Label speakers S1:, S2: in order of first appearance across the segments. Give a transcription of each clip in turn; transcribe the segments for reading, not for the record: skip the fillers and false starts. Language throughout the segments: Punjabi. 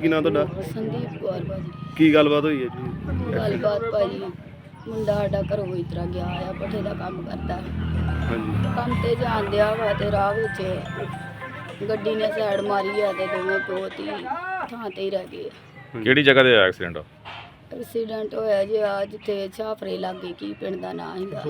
S1: ਕੀ ਨਾਂ ਤੁਹਾਡਾ?
S2: ਸੰਦੀਪ ਕੌਰ ਭਾਜੀ।
S1: ਕੀ ਗੱਲਬਾਤ ਹੋਈ ਹੈ ਜੀ?
S2: ਗੱਲਬਾਤ ਭਾਜੀ, ਮੁੰਡਾ ਸਾਡਾ ਘਰੋਂ ਇਸ ਤਰ੍ਹਾਂ ਗਿਆ ਆ, ਭੱਠੇ ਦਾ ਕੰਮ ਕਰਦਾ।
S1: ਹਾਂਜੀ।
S2: ਕੰਮ ਤੇ ਜਾਣ ਡਿਆ ਵਾ ਤੇ ਰਾਹ ਵਿੱਚ ਗੱਡੀ ਨੇ ਸਾਈਡ ਮਾਰੀ ਆ ਤੇ ਦੋਵੇਂ ਬਹੁਤ ਹੀ ਥਾਂ ਤੇ ਹੀ ਰਹਿ ਗਏ।
S3: ਕਿਹੜੀ ਜਗ੍ਹਾ ਤੇ ਹੋਇਆ ਐਕਸੀਡੈਂਟ?
S2: ਐਕਸੀਡੈਂਟ ਹੋਇਆ ਜੀ ਆ ਜਿੱਥੇ ਛਾਫਰੇ ਲਾਗੇ, ਕੀ ਪਿੰਡ ਦਾ ਨਾਂ ਹੈਗਾ,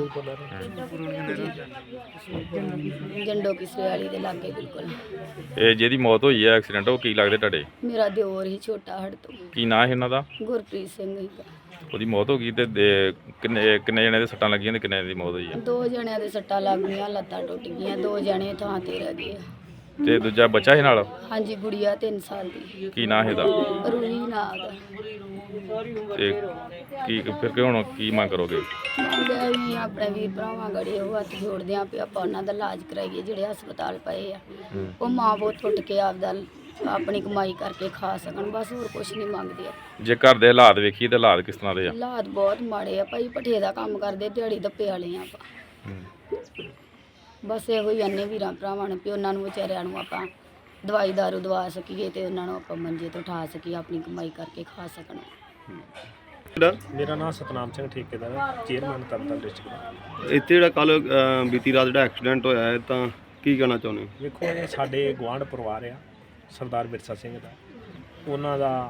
S2: ਜੰਡੋ ਕਿਸਰੇ ਵਾਲੀ ਦੇ ਲਾਗੇ ਬਿਲਕੁਲ।
S3: ਇਹ ਜਿਹਦੀ ਮੌਤ ਹੋਈ ਹੈ ਐਕਸੀਡੈਂਟ, ਉਹ ਕੀ ਲੱਗਦੇ ਤੁਹਾਡੇ?
S2: ਮੇਰਾ ਦਿਓਰ ਹੀ ਛੋਟਾ ਹੜ ਤੋਂ।
S3: ਕੀ ਨਾਂ ਹੈ ਇਹਨਾਂ ਦਾ?
S2: ਗੁਰਪ੍ਰੀਤ ਸਿੰਘ ਹੈਗਾ।
S3: ਉਹਦੀ ਮੌਤ ਹੋ ਗਈ ਤੇ ਕਿੰਨੇ ਜਣੇ ਦੇ ਸੱਟਾਂ ਲੱਗੀਆਂ ਤੇ ਕਿੰਨੇ ਦੀ ਮੌਤ ਹੋਈ ਹੈ?
S2: 2 ਜਣਿਆਂ ਦੇ ਸੱਟਾਂ ਲੱਗ ਗਈਆਂ, ਲੱਤਾਂ ਟੁੱਟ ਗਈਆਂ, 2 ਜਣੇ ਥਾਂ ਤੇ ਰਹਿ ਗਏ।
S3: ਤੇ ਦੂਜਾ ਬੱਚਾ ਸੀ ਨਾਲ?
S2: ਹਾਂਜੀ, ਗੁੜੀਆ 3 ਸਾਲ ਦੀ।
S3: ਕੀ ਨਾਂ ਹੈ ਇਹਦਾ?
S2: ਰੂਹੀ ਨਾਂ ਦਾ।
S3: ਤੇ ਕੀ ਫਿਰ ਕਿ ਹੁਣ ਕੀ ਮੰਗ ਕਰੋਗੇ?
S2: ਮੰਗਿਆ ਵੀ ਆਪਣੇ ਵੀਰ ਭਰਾਵਾਂ ਗੜੇ ਉਹ ਹੱਥ ਜੋੜਦੇ ਆਂ ਵੀ ਆਪਾਂ ਉਹਨਾਂ ਦਾ ਇਲਾਜ ਕਰਾਈਏ ਜਿਹੜੇ ਹਸਪਤਾਲ ਪਏ ਆ। ਉਹ ਮਾਂ ਬਹੁਤ ਉੱਠ ਕੇ ਆਪਣੀ ਕਮਾਈ ਕਰਕੇ ਖਾ ਸਕਣ, ਬਸ ਹੋਰ ਕੁਝ ਨਹੀਂ ਮੰਗਦੇ ਆ।
S3: ਜੇ ਘਰ ਦੇ ਹਾਲਾਤ ਵੇਖੀਏ ਤਾਂ ਹਾਲਾਤ ਕਿਸ ਤਰ੍ਹਾਂ ਦੇ ਆ?
S2: ਹਾਲਾਤ ਬਹੁਤ ਮਾੜੇ ਆ ਭਾਈ, ਭੱਠੇ ਦਾ ਕੰਮ ਕਰਦੇ, ਦਿਹਾੜੀ ਦੱਪੇ ਵਾਲੇ ਆ ਆਪਾਂ। ਬਸ ਇਹੋ ਹੀ ਅੰਨੇ ਵੀਰਾਂ ਭਰਾਵਾਂ ਨੂੰ ਵੀ ਉਹਨਾਂ ਨੂੰ ਵਿਚਾਰਿਆਂ ਨੂੰ ਆਪਾਂ ਦਵਾਈ ਦਾਰੂ ਦਵਾ ਸਕੀਏ ਤੇ ਉਹਨਾਂ ਨੂੰ ਆਪਾਂ ਮੰਜੇ ਤੋਂ ਉਠਾ ਸਕੀਏ, ਆਪਣੀ ਕਮਾਈ ਕਰਕੇ ਖਾ ਸਕਣ।
S4: ਮੇਰਾ ਨਾਮ ਸਤਨਾਮ ਸਿੰਘ ਠੇਕੇਦਾਰ ਹੈ, ਚੇਅਰਮੈਨ ਤਰਨਤਾਰਨ ਡਿਸਟ੍ਰਿਕਟ।
S1: ਇੱਥੇ ਜਿਹੜਾ ਕੱਲ ਬੀਤੀ ਰਾਤ ਜਿਹੜਾ ਐਕਸੀਡੈਂਟ ਹੋਇਆ ਹੈ ਤਾਂ ਕੀ ਕਹਿਣਾ ਚਾਹੁੰਦੇ ਹੋ?
S4: ਵੇਖੋ, ਇਹ ਸਾਡੇ ਗੁਆਂਢ ਪਰਿਵਾਰ ਆ ਸਰਦਾਰ ਵਿਰਸਾ ਸਿੰਘ ਦਾ, ਉਹਨਾਂ ਦਾ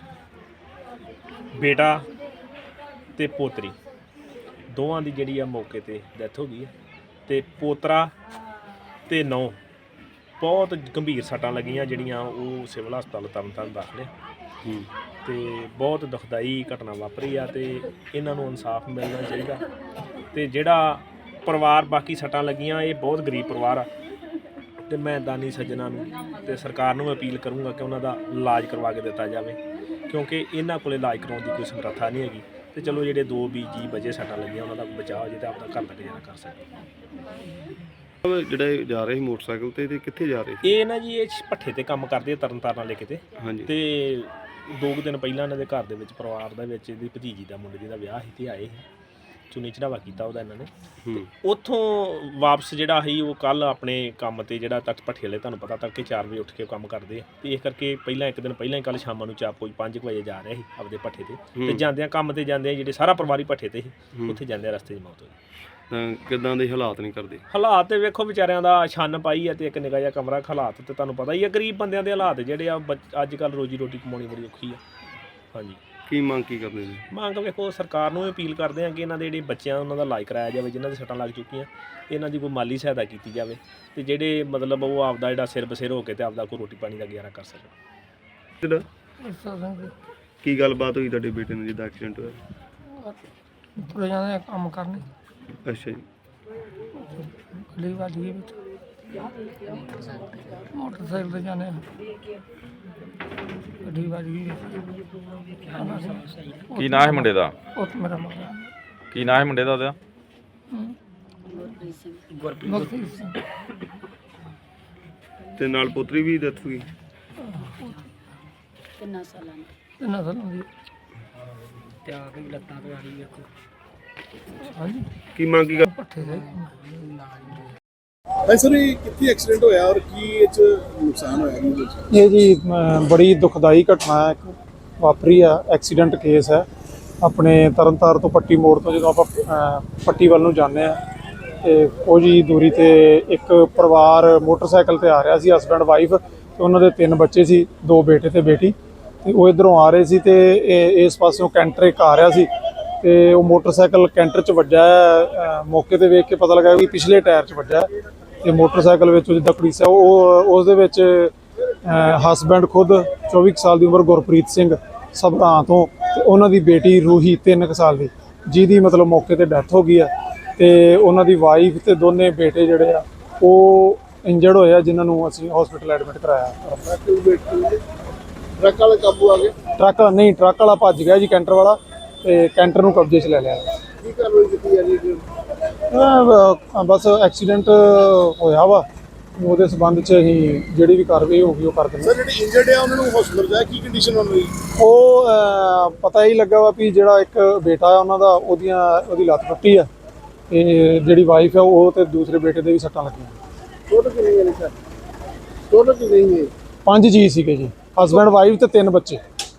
S4: ਬੇਟਾ ਤੇ ਪੋਤਰੀ ਦੋਵਾਂ ਦੀ ਜਿਹੜੀ ਆ ਮੌਕੇ ਤੇ ਡੈਥ ਹੋ ਗਈ ਹੈ ਤੇ ਪੋਤਰਾ ਤੇ ਨੌਂ ਬਹੁਤ ਗੰਭੀਰ ਸੱਟਾਂ ਲੱਗੀਆਂ ਜਿਹੜੀਆਂ ਉਹ ਸਿਵਲ ਹਸਪਤਾਲ ਤਰਨਤਾਰਨ ਦਾਖਲ ਹੈ। ਤੇ ਬਹੁਤ ਦੁਖਦਾਈ ਘਟਨਾ ਵਾਪਰੀ ਆ ਤੇ ਇਹਨਾਂ ਨੂੰ ਇਨਸਾਫ ਮਿਲਣਾ ਚਾਹੀਦਾ। ਤੇ ਜਿਹੜਾ ਪਰਿਵਾਰ ਬਾਕੀ ਸੱਟਾਂ ਲੱਗੀਆਂ, ਇਹ ਬਹੁਤ ਗਰੀਬ ਪਰਿਵਾਰ ਆ ਤੇ ਮੈਂ ਦਾਨੀ ਸੱਜਣਾ ਨੂੰ ਤੇ ਸਰਕਾਰ ਨੂੰ ਅਪੀਲ ਕਰੂੰਗਾ ਕਿ ਉਹਨਾਂ ਦਾ ਇਲਾਜ ਕਰਵਾ ਕੇ ਦਿੱਤਾ ਜਾਵੇ, ਕਿਉਂਕਿ ਇਹਨਾਂ ਕੋਲ ਇਲਾਜ ਕਰਾਉਣ ਦੀ ਕੋਈ ਸਮਰੱਥਾ ਨਹੀਂ ਹੈਗੀ। ਤੇ ਚਲੋ ਜਿਹੜੇ 2 ਜੀ ਬਚੇ ਸੱਟਾਂ ਲੱਗੀਆਂ ਉਹਨਾਂ ਦਾ ਬਚਾਅ ਹੋ ਜੇ ਤੇ ਆਪਣਾ ਘਰ ਦਾ ਗੁਜ਼ਾਰਾ ਕਰ ਸਕੇ।
S1: ਜਿਹੜੇ ਜਾ ਰਹੇ ਸੀ ਮੋਟਰਸਾਈਕਲ ਤੇ ਕਿੱਥੇ ਜਾ ਰਹੇ ਸੀ?
S4: ਇਹ ਨਾ ਜੀ, ਇਹ ਭੱਠੇ ਤੇ ਕੰਮ ਕਰਦੇ ਤਰਨਤਾਰਨ ਵਾਲੇ ਕਿਤੇ।
S1: ਹਾਂਜੀ।
S4: ਤੇ 2 ਦਿਨ ਪਹਿਲਾਂ ਇਹਨਾਂ ਦੇ ਘਰ ਦੇ ਵਿੱਚ ਪਰਿਵਾਰ ਦੇ ਵਿੱਚ ਇਹਦੀ ਭਤੀਜੀ ਦਾ ਮੁੰਡੇ ਦਾ ਵਿਆਹ ਸੀ ਤੇ ਆਏ ਸੀ, ਚੁੰਨੀ ਚੜਾਵਾ ਕੀਤਾ ਉਹਦਾ ਇਹਨਾਂ ਨੇ। ਤੇ ਉੱਥੋਂ ਵਾਪਸ ਜਿਹੜਾ ਸੀ ਉਹ ਕੱਲ ਆਪਣੇ ਕੰਮ ਤੇ ਜਿਹੜਾ ਤੱਕ ਭੱਠੇ ਵਾਲੇ ਤੁਹਾਨੂੰ ਪਤਾ ਤੜਕੇ 4 ਵਜੇ ਉੱਠ ਕੇ ਕੰਮ ਕਰਦੇ ਆ, ਤੇ ਇਸ ਕਰਕੇ ਪਹਿਲਾਂ ਇੱਕ ਦਿਨ ਪਹਿਲਾਂ ਹੀ ਕੱਲ ਸ਼ਾਮਾਂ ਨੂੰ ਕੋਈ 5 ਵਜੇ ਜਾ ਰਿਹਾ ਸੀ ਆਪਦੇ ਭੱਠੇ ਤੇ ਜਾਂਦਿਆਂ ਕੰਮ ਤੇ ਜਾਂਦੇ ਜਿਹੜੇ ਸਾਰਾ ਪਰਿਵਾਰ ਹੀ ਭੱਠੇ ਤੇ ਸੀ, ਉੱਥੇ ਜਾਂਦੇ ਰਸਤੇ 'ਚ ਮੌਤ ਹੋਈ।
S1: ਤਾਂ ਕਿੱਦਾਂ ਦੇ ਹਾਲਾਤ ਨਹੀਂ ਕਰਦੇ?
S4: ਹਾਲਾਤ ਤੇ ਵੇਖੋ ਵਿਚਾਰਿਆਂ ਦਾ, ਛੰਨ ਪਾਈ ਆ ਤੇ ਇੱਕ ਨਿੱਕਾ ਜਿਹਾ ਕਮਰਾ। ਹਾਲਾਤ ਤੇ ਤੁਹਾਨੂੰ ਪਤਾ ਹੀ ਆ, ਗਰੀਬ ਬੰਦਿਆਂ ਦੇ ਹਾਲਾਤ ਜਿਹੜੇ ਆ ਅੱਜ ਕੱਲ੍ਹ ਰੋਜੀ ਰੋਟੀ ਕਮਾਉਣੀ ਬੜੀ ਔਖੀ ਆ। ਹਾਂਜੀ।
S1: ਕੀ ਮੰਗ ਕੀ ਕਰਦੇ ਜੀ?
S4: ਮੰਗ ਵੇਖੋ, ਸਰਕਾਰ ਨੂੰ ਅਪੀਲ ਕਰਦੇ ਆ ਕਿ ਇਹਨਾਂ ਦੇ ਜਿਹੜੇ ਬੱਚਿਆਂ ਉਹਨਾਂ ਦਾ ਇਲਾਜ ਕਰਾਇਆ ਜਾਵੇ, ਜਿਨ੍ਹਾਂ ਦੇ ਸੱਟਾਂ ਲੱਗ ਚੁੱਕੀਆਂ, ਇਹਨਾਂ ਦੀ ਕੋਈ ਮਾਲੀ ਸਹਾਇਤਾ ਕੀਤੀ ਜਾਵੇ ਤੇ ਜਿਹੜੇ ਮਤਲਬ ਉਹ ਆਪਦਾ ਜਿਹੜਾ ਸਿਰ ਬਸਿਰ ਹੋ ਕੇ ਤੇ ਆਪਦਾ ਕੋਈ ਰੋਟੀ ਪਾਣੀ ਦਾ ਗੁਜ਼ਾਰਾ ਕਰ ਸਕਣ।
S1: ਕੀ ਗੱਲਬਾਤ ਹੋਈ ਤੁਹਾਡੇ ਬੇਟੇ ਨੂੰ ਜਿਹਦਾ ਐਕਸੀਡੈਂਟ ਹੋਇਆ?
S5: ਤੁਰੇ ਜਾਂਦੇ ਕੰਮ ਕਰਨੇ।
S1: ਅੱਛਾ ਜੀ।
S5: ਗੱਡੀ ਵੱਜ ਗਈ ਵਿੱਚ, ਮੋਟਰਸਾਈਕਲ ਤੇ ਜਾਂਦੇ ਗੱਡੀ ਵੱਜ ਗਈ।
S3: ਕੀ ਨਾਂ ਹੈ ਮੁੰਡੇ ਦਾ?
S5: ਉਹ ਮੇਰਾ ਮਾਰਾ
S3: ਕੀ ਨਾਂ ਹੈ ਮੁੰਡੇ ਦਾ ਉਹਦਾ?
S5: ਗੁਰਪ੍ਰੀਤ ਸਿੰਘ।
S1: ਤੇ ਨਾਲ ਪੁੱਤਰੀ ਵੀ ਡੈਥ ਹੋ ਗਈ?
S2: 3 ਸਾਲਾਂ ਦੀ।
S5: 3 ਸਾਲਾਂ ਦੀ।
S2: ਤੇ ਆ ਕੇ ਲੱਤਾਂ ਤੋਂ ਆ ਰਹੀ ਵੇਖੋ।
S5: ਹਾਂਜੀ।
S1: ਕੀ ਮੰਗ ਕੀ
S5: ਭੱਠੇ ਦੇ
S6: ਸਰ, ਇਹ ਕਿੱਥੇ ਐਕਸੀਡੈਂਟ ਹੋਇਆ ਔਰ ਕੀ ਇਹ 'ਚ ਨੁਕਸਾਨ ਹੋਇਆ?
S7: ਇਹ ਜੀ ਬੜੀ ਦੁਖਦਾਈ ਘਟਨਾ ਹੈ, ਇੱਕ ਵਾਪਰੀ ਆ। ਐਕਸੀਡੈਂਟ ਕੇਸ ਹੈ ਆਪਣੇ ਤਰਨਤਾਰਨ ਤੋਂ ਪੱਟੀ ਮੋੜ ਤੋਂ ਜਦੋਂ ਆਪਾਂ ਪੱਟੀ ਵੱਲ ਨੂੰ ਜਾਂਦੇ ਆ ਤੇ ਕੁਝ ਹੀ ਦੂਰੀ ਤੇ ਇੱਕ ਪਰਿਵਾਰ ਮੋਟਰਸਾਈਕਲ ਤੇ ਆ ਰਿਹਾ ਸੀ, ਹਸਬੈਂਡ ਵਾਈਫ ਤੇ ਉਹਨਾਂ ਦੇ 3 ਬੱਚੇ ਸੀ, 2 ਬੇਟੇ ਤੇ ਬੇਟੀ। ਤੇ ਉਹ ਇੱਧਰੋਂ ਆ ਰਹੇ ਸੀ ਤੇ ਇਸ ਪਾਸਿਓਂ ਕੈਂਟਰ ਇੱਕ ਆ ਰਿਹਾ ਸੀ ਤੇ ਉਹ ਮੋਟਰਸਾਈਕਲ ਕੈਂਟਰ 'ਚ ਵੱਜਾ। ਮੌਕੇ ਤੇ ਵੇਖ ਕੇ ਪਤਾ ਲੱਗਾ ਵੀ ਪਿਛਲੇ ਟਾਇਰ 'ਚ ਵੱਜਾ ਤੇ ਮੋਟਰਸਾਈਕਲ ਵਿੱਚ ਜਿੱਦਾਂ ਪੁਲਿਸ ਹੈ ਉਸ ਦੇ ਵਿੱਚ ਹਸਬੈਂਡ ਖੁਦ 24 ਸਾਲ ਦੀ ਉਮਰ ਗੁਰਪ੍ਰੀਤ ਸਿੰਘ ਸਭਰਾਂ ਤੋਂ ਤੇ ਉਹਨਾਂ ਦੀ ਬੇਟੀ ਰੂਹੀ 3 ਸਾਲ ਦੀ, ਜਿਹਦੀ ਮਤਲਬ ਮੌਕੇ ਤੇ ਡੈਥ ਹੋ ਗਈ ਆ। ਤੇ ਉਹਨਾਂ ਦੀ ਵਾਈਫ ਤੇ ਦੋਨੇ ਬੇਟੇ ਜਿਹੜੇ ਆ ਉਹ ਇੰਜਰਡ ਹੋਏ ਆ, ਜਿਨ੍ਹਾਂ ਨੂੰ ਅਸੀਂ ਹਸਪੀਟਲ ਐਡਮਿਟ ਕਰਾਇਆ।
S6: ਟਰੱਕ ਵਾਲੇ ਕਾਬੂ ਆ ਗਏ?
S7: ਟਰੱਕ ਵਾਲਾ ਭੱਜ ਗਿਆ ਜੀ, ਕੈਂਟਰ ਵਾਲਾ, ਤੇ ਕੈਂਟਰ ਨੂੰ ਕਬਜ਼ੇ 'ਚ ਲੈ ਲਿਆ।
S6: ਕੀ ਕਾਰਵਾਈ ਕੀਤੀ ਜਾ ਰਹੀ ਹੈ?
S7: ਬਸ ਐਕਸੀਡੈਂਟ ਹੋਇਆ ਵਾ, ਉਹਦੇ ਸੰਬੰਧ 'ਚ ਅਸੀਂ ਜਿਹੜੀ ਵੀ ਕਾਰਵਾਈ ਹੋਊਗੀ ਉਹ ਕਰ ਦਿੰਦੇ।
S6: ਸਰ, ਜਿਹੜੇ ਇੰਜਰਡ ਆ ਉਹਨਾਂ ਨੂੰ ਹਸਪਤਾਲ ਜਾਇਆ, ਕੀ ਕੰਡੀਸ਼ਨ ਉਹਨਾਂ ਦੀ?
S7: ਉਹ ਪਤਾ ਹੀ ਲੱਗਾ ਵਾ ਵੀ ਜਿਹੜਾ ਇੱਕ ਬੇਟਾ ਆ ਉਹਨਾਂ ਦਾ, ਉਹਦੀ ਲੱਤ ਟੁੱਟੀ ਆ ਤੇ ਜਿਹੜੀ ਵਾਈਫ ਆ ਉਹ ਤੇ ਦੂਸਰੇ ਬੇਟੇ ਦੇ ਵੀ ਸੱਟਾਂ ਲੱਗੀਆਂ।
S6: ਟੋਟਲ ਕਿੰਨੇ ਜਣੇ ਸਰ? ਟੋਟਲ ਕਿੰਨੇ ਹੀ
S7: 5 ਜੀ ਸੀਗੇ ਜੀ। ਹਸਬੈਂਡ ਵਾਈਫ ਤੇ 3 ਬੱਚੇ।